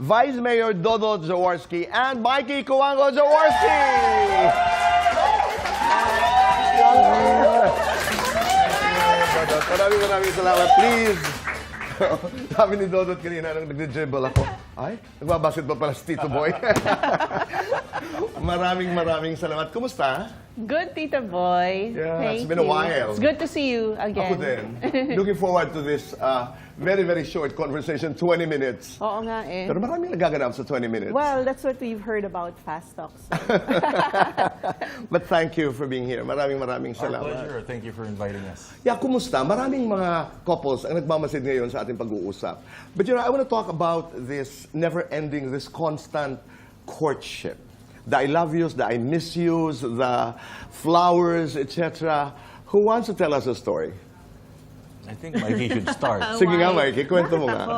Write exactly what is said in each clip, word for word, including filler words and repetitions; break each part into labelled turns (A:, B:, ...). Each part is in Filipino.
A: Vice Mayor Dodo Jaworski and Mikey Kuwango Jaworski! Maraming maraming salamat. Please. Sabi ni Dodot kanina nung nag-dribble ako, ay, nagbabasketball pala si Tito Boy. Maraming maraming salamat. Kumusta?
B: Good, Tito Boy.
A: Yeah,
B: Thank
A: it's been a
B: you.
A: while.
B: It's good to see you again.
A: Ako din. Looking forward to this uh, very, very short conversation, twenty minutes.
B: Oo nga eh.
A: Pero maraming nagaganap sa twenty minutes.
B: Well, that's what we've heard about Fast Talks.
A: But thank you for being here. Maraming maraming
C: Our
A: salamat.
C: pleasure. Thank you for inviting us.
A: Yeah, kumusta? Maraming mga couples ang nagmamasid ngayon sa ating pag-uusap. But you know, I want to talk about this never-ending, this constant courtship. The I love yous, the I miss yous, the flowers, et cetera. Who wants to tell us a story?
C: I think Mikey should start.
A: Sige nga,
B: Why?
A: Mikey, kwento mo nga.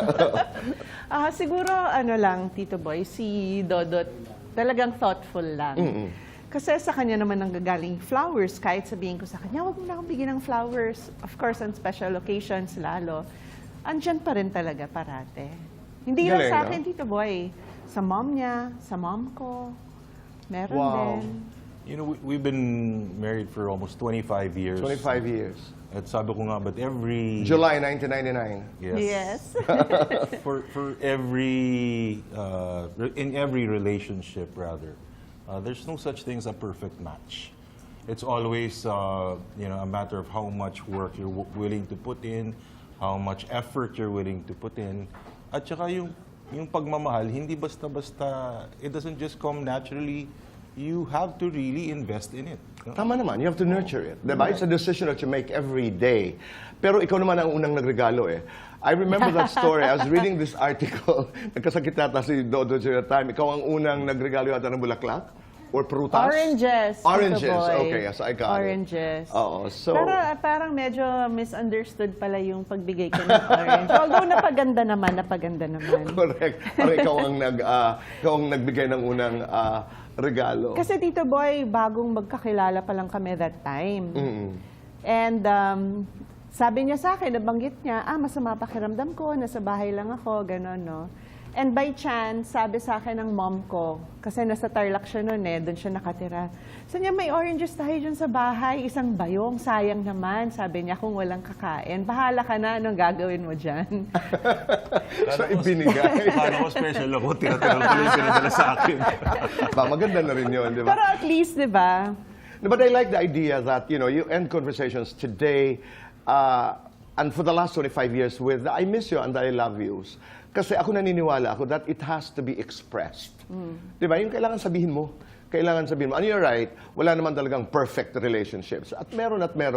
B: Ah, siguro, ano lang, Tito Boy, si Dodot, talagang thoughtful lang. Kasi sa kanya naman nanggagaling flowers, kahit sabihin ko sa kanya, wag mo na akong bigyan ng flowers. Of course, on special occasions lalo. Andyan pa rin talaga parate. Hindi lang
A: Galing,
B: sa
A: no?
B: akin, Tito Boy. Sa mom niya, sa mom ko. Meron
A: Wow.
B: din.
C: You know, we, we've been married for almost twenty-five years.
A: twenty-five years.
C: At sabi ko nga, but every...
A: July nineteen ninety-nine.
C: Yes.
B: Yes.
C: for for every... Uh, re- in every relationship, rather, uh, there's no such thing as a perfect match. It's always, uh, you know, a matter of how much work you're w- willing to put in, how much effort you're willing to put in, at saka yung, yung pagmamahal, hindi basta-basta, it doesn't just come naturally. You have to really invest in it.
A: Tama naman, you have to nurture it. Diba? It's a decision that you make every day. Pero ikaw naman ang unang nagregalo eh. I remember that story. I was reading this article. Nagkasakit yata si Dodo during that time. Ikaw ang unang nagregalo yata ng bulaklak? Or prutas?
B: Oranges. Tito
A: Oranges.
B: Boy.
A: Okay, yes, I got
B: Oranges.
A: it. Oo, so...
B: Pero ah, parang medyo misunderstood pala yung pagbigay ko ng orange. Although napaganda naman, napaganda naman.
A: Correct. Parang ikaw ang, nag, ah, ikaw ang nagbigay ng unang ah, regalo.
B: Kasi Tito Boy, bagong magkakilala pa lang kami that time. And um, sabi niya sa akin, nabanggit niya, ah, masama pakiramdam ko, nasa bahay lang ako, gano'n, no? And by chance, sabi sa akin ng mom ko, kasi nasa Tarlac siya noon eh, doon siya nakatira. Sabi niya, may oranges tayo dyan sa bahay, isang bayong, sayang naman. Sabi niya, kung walang kakain, bahala ka na, anong gagawin mo dyan?
A: So, ibinigay.
C: Paano ko special ako, tira-tira ko yung pinadala sa akin.
A: Ba, maganda na rin yun, di ba?
B: Pero at least, di ba?
A: No, but I like the idea that, you know, you end conversations today uh, and for the last twenty-five years with the I miss you and the I love yous. Kasi ako naniniwala ako that it has to be expressed. Di ba? Yung kailangan sabihin mo. Kailangan sabihin mo. And you're right, wala naman talagang perfect relationships. At meron at meron.